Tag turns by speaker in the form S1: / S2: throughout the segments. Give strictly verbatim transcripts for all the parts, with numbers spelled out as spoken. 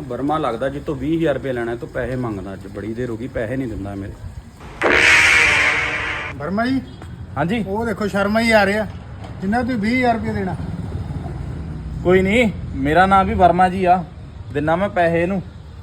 S1: वर्मा लगता जितो भी हज़ार रुपये लेना तो पैसे मंगदा अज बड़ी देर हो गई पैसे नहीं दिंदा मेरे।
S2: वर्मा जी
S3: हाँ जी
S2: वो देखो शर्मा ही आ रहा जिन्हें तुम भी हज़ार रुपये देना।
S3: कोई नहीं मेरा नाम भी वर्मा जी आ दिना मैं पैसे नू।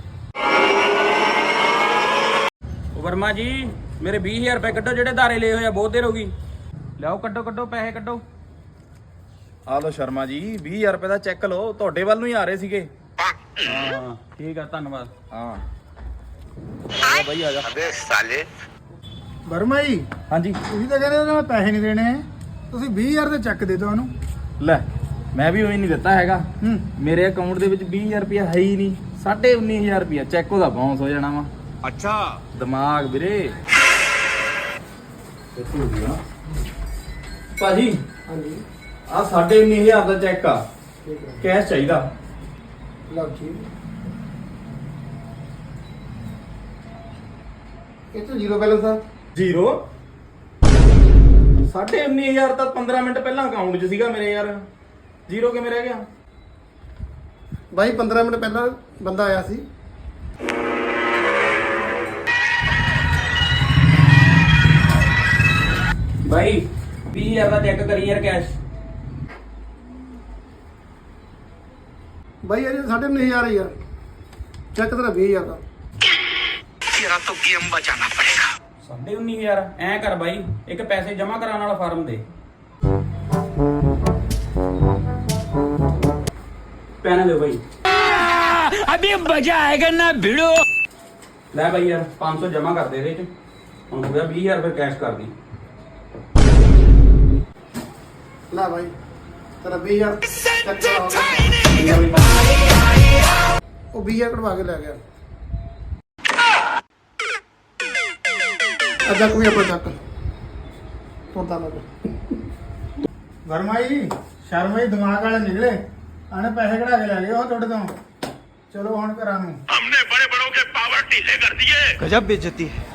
S1: वर्मा जी मेरे बीस हज़ार रुपये कड्डो जेडे धारे ले हुए बहुत देर हो गई। लियाओ कड्डो कड्डो पैसे कड्डो।
S3: आ लो शर्मा जी बीस हज़ार रुपये का चैक लो तुहाडे वल नूं ही आ रहे सीगे।
S1: हाँ ठीक है धन्यवाद।
S3: हाँ आ भाई आ जा।
S4: अबे साले
S2: वर्मा जी
S3: हाँ जी
S2: ਤੁਸੀਂ ਤਾਂ ਕਹਿੰਦੇ ਮੈਂ ਪੈਸੇ ਨਹੀਂ ਦੇਣੇ ਤੁਸੀਂ ਵੀਹ ਹਜ਼ਾਰ ਦਾ ਚੈੱਕ ਦੇ ਦਿਓ ਉਹਨੂੰ।
S3: ਲੈ ਮੈਂ ਵੀ ਉਹੀ ਨਹੀਂ ਦਿੱਤਾ ਹੈਗਾ।
S2: ਹੂੰ
S3: ਮੇਰੇ ਅਕਾਊਂਟ ਦੇ ਵਿੱਚ ਵੀਹ ਹਜ਼ਾਰ ਰੁਪਇਆ ਹੈ ਹੀ ਨਹੀਂ। ਸਾਢੇ ਉੱਨੀ ਹਜ਼ਾਰ ਰੁਪਇਆ ਚੈੱਕ ਉਹਦਾ ਬਾਉਂਸ ਹੋ ਜਾਣਾ ਵਾ।
S4: अच्छा
S3: ਦਿਮਾਗ ਵੀਰੇ ਭਾਜੀ
S2: ਹਾਂਜੀ
S3: ਆ ਸਾਢੇ ਉੱਨੀ ਹਜ਼ਾਰ ਦਾ ਚੈੱਕ ਆ
S2: ਠੀਕ ਹੈ
S3: ਕੈਸ਼ ਚਾਹੀਦਾ।
S2: ਲਓ ਜੀ ਇਹ ਤਾਂ ਜ਼ੀਰੋ ਬੈਲੈਂਸ ਆ।
S3: ਜ਼ੀਰੋ ਸਾਢੇ ਉੱਨੀ ਹਜ਼ਾਰ ਤਾਂ ਪੰਦਰਾਂ ਮਿੰਟ ਪਹਿਲਾਂ ਅਕਾਊਂਟ 'ਚ ਸੀਗਾ ਮੇਰੇ ਯਾਰ। ਜ਼ੀਰੋ ਕਿਵੇਂ ਰਹਿ ਗਿਆ?
S2: ਬਾਈ ਪੰਦਰਾਂ ਮਿੰਟ ਪਹਿਲਾਂ ਬੰਦਾ ਆਇਆ ਸੀ।
S1: भाई बीस हज़ार का चेक करी यार कैश।
S2: ਬਾਈ ਇਹ ਸਾਢੇ ਉੱਨੀ ਹਜ਼ਾਰ ਹੀ ਯਾਰ ਚੈੱਕ ਤੇਰਾ ਵੀਹ ਹਜ਼ਾਰ ਦਾ।
S4: तेरा तो गेम बचाना पड़ेगा।
S1: साढ़े उन्नी हज़ार ऐ कर भाई एक पैसे जमा कराने वाला फार्म दे। पैन दो भाई।
S5: अभी मजा आएगा ना भिड़ो।
S1: ले भाई यार पाँच सौ जमा कर दे दे हम हो गया बीस हज़ार रुपये कैश कर दी।
S2: ਲੈ ਬਾਈ ਤੇਰਾ ਵੀਹ ਹਜ਼ਾਰ ਚੈੱਕ ਕਰਾ ਹੋ ਗਿਆ। ਉਹ ਵੀਹ ਹਜ਼ਾਰ ਕਢਵਾ ਕੇ ਲੈ ਗਿਆ। ਅੱਜਾ ਕੋਈ ਆਪਣਾ ਚੱਕ ਤੋਤਾ ਲੱਗ। ਵਰਮਾ ਜੀ ਸ਼ਰਮਾ ਜੀ ਦਿਮਾਗ ਵਾਲੇ ਨਿਕਲੇ ਆਣੇ ਪੈਸੇ ਕਢਾ ਕੇ ਲੈ ਗਏ ਉਹ ਤੁਹਾਡੇ ਤੋਂ। ਚਲੋ ਹੁਣ ਘਰਾਂ ਨੂੰ।
S4: हमने बड़े बड़ों के पावर ढीले कर दिए।
S5: गजब बेइज्जती है।